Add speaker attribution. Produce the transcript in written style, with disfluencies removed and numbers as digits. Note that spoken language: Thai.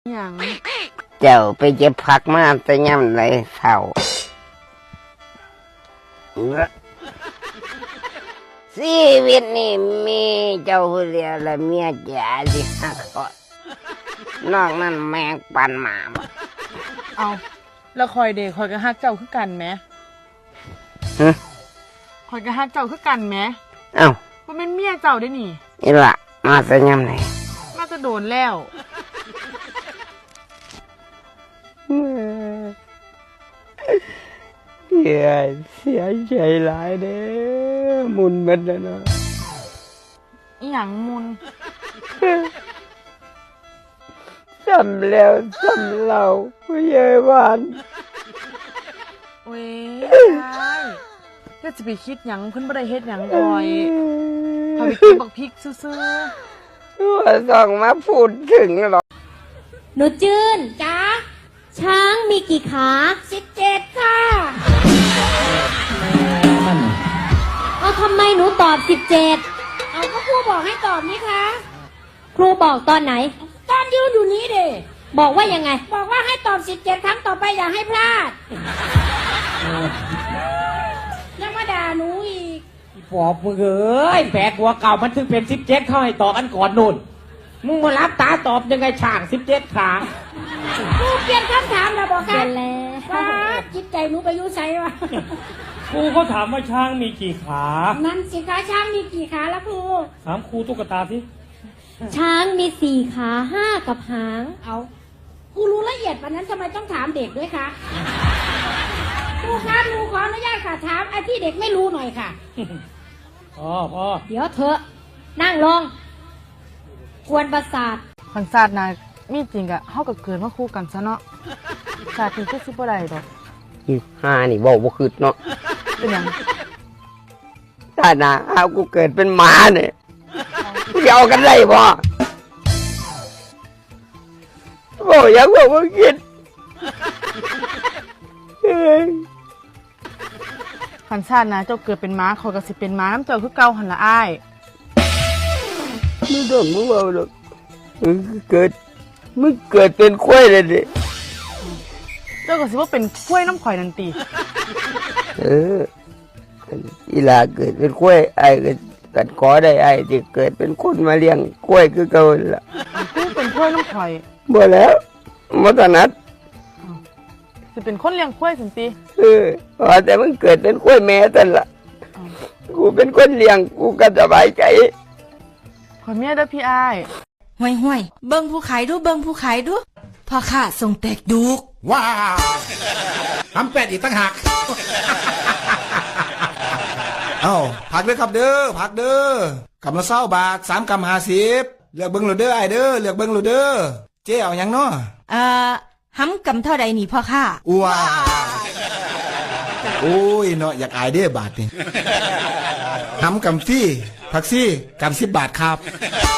Speaker 1: อย่าง
Speaker 2: เจ้าไปเก็บผักมาแต่ย่ำไรเศร้าชีวิตนี่มีเจ้าผู้เดียวและเมียจ๋าสิหักคอนอกนั้นแมงปันหมาหมด
Speaker 1: เอาแล้วคอยเด็กคอยกระฮักเจ้าคือกันไหมคอยกระฮักเจ้าคือกันไหม
Speaker 2: เอ้า
Speaker 1: มันเป็นเมียเจ้าได้นี่
Speaker 2: นี่ล่ะมาแต่ย่ำไร
Speaker 1: มาจะโดนแล้ว
Speaker 2: เสียใจหลายเด้อมุนมันนะเนาะ
Speaker 1: อีหยังมุน
Speaker 2: ซ้ำแล้วซ้ำเล่าผู้ใหญ่บ้าน
Speaker 1: เว้ยใช่ก็จะไปคิดหยังเพิ่นบ่ได้เฮ็ดหยังก่อยพาไปกินบักพริกซื่อ
Speaker 2: ๆว่าส่องมาพูดถึงหรอ
Speaker 3: หนูจื้นจ้าช้างมีกี่ขา17ค่ะเอาทำไมหนูตอบ17
Speaker 4: เอาก็ครูบอกให้ตอบนี่คะ
Speaker 3: ครูบอกตอนไหน
Speaker 4: ตอนยืนอยู่นี้เด้
Speaker 3: บอกว่ายังไง
Speaker 4: บอกว่าให้ตอบ17ครั้งต่อไปอย่าให้พลาดยังมาด่าหนูอีก
Speaker 5: ปอบมึงเอ้ยแผลหัวเก่ามันถึงเป็น17เข้าให้ตอบอันก่อนนู่นมึงมารับตาตอบยังไงช่าง17ครั้ง
Speaker 4: ครูเปลี่ยนคำถามแล้วบอกกัน
Speaker 3: แล้ว
Speaker 4: ว่าจิตใจหนูไปยุ่ใส่วะ
Speaker 5: ครูเขาถามว่าช้างมีกี่ขา
Speaker 4: นั่นสิคะช้างมีกี่ขาแล้วครู
Speaker 5: ถามครูตุ๊กตาสิ
Speaker 3: ช้างมี4ขา5กับหาง
Speaker 4: เอาครูรู้ละเอียดปานนั้นทำไมต้องถามเด็กด้วยคะครูคะครูขออนุญาตค่ะถามไอ้ที่เด็กไม่รู้หน่อยค่ะ
Speaker 5: พ่อ
Speaker 3: เดี๋ยวเถอะนั่งลงกวนประสาท
Speaker 1: คันศาสตร์นะมีจริงอะเฮาก็เกิดมาคู่กันซะเนาะชาตินี้คือสิบ่ได้ดอก
Speaker 2: นี่เว้าบ่คิดเนาะ
Speaker 1: เป็นหยัง
Speaker 2: ถ้านะเอากูเกิดเป็นหมาเนี่ยเกี่ยวกันได้บ่ยังบอกว่าคิด
Speaker 1: คันชาตินะเจ้าเกิดเป็นม้าคอยก็สิเป็นม้าน้ำเจ้าคือเก่าหั่นละอ้าย
Speaker 2: ไม่ต้องมึงเอาหรอกมึงเกิดเป็นควายเลยดิ
Speaker 1: เจ้าก็สิว่าเป็นกล้วยน้ำข่อยนันตี
Speaker 2: อีหลาเกิดเป็นควายไอ้กันขอได้ไอ้ที่เกิดเป็นคนมาเลี้ยงควายคือเก่าล่ะ
Speaker 1: คือเป็นกล้วยน้ำข่อย
Speaker 2: บ่แล้วบ่ถนัด
Speaker 1: สิเป็นคนเลี้ยงกล้วยสันติ
Speaker 2: แต่มึงเกิดเป็นควายแม่ตันล่ะกูเป็นคนเลี้ยงกูก็สบายใจ
Speaker 1: ขอเมียเด้อพี่อ้าย
Speaker 6: ห่วยเบิ่งผู้ขายดูพ่อข้าส่งแตกดุก
Speaker 7: ว้าวทำเป็ดอีกตั้งหักเอ้าผักเด้อครับเด้อผักเด้อกำละ20 บาท3กำ50เลือกเบิ่งโหลดเด้อไอ้เด้อเลือกเบิ่งโหลดเด้อเจ๊เอาหยังเนาะ
Speaker 6: ห้ำกำเท่าใดนี่พ่อข้า
Speaker 7: ว้าโอ้ยเนาะอยากอายเด้อบาทนี่ห้ำกำฟี่ผักซี่กำ10 บาทครับ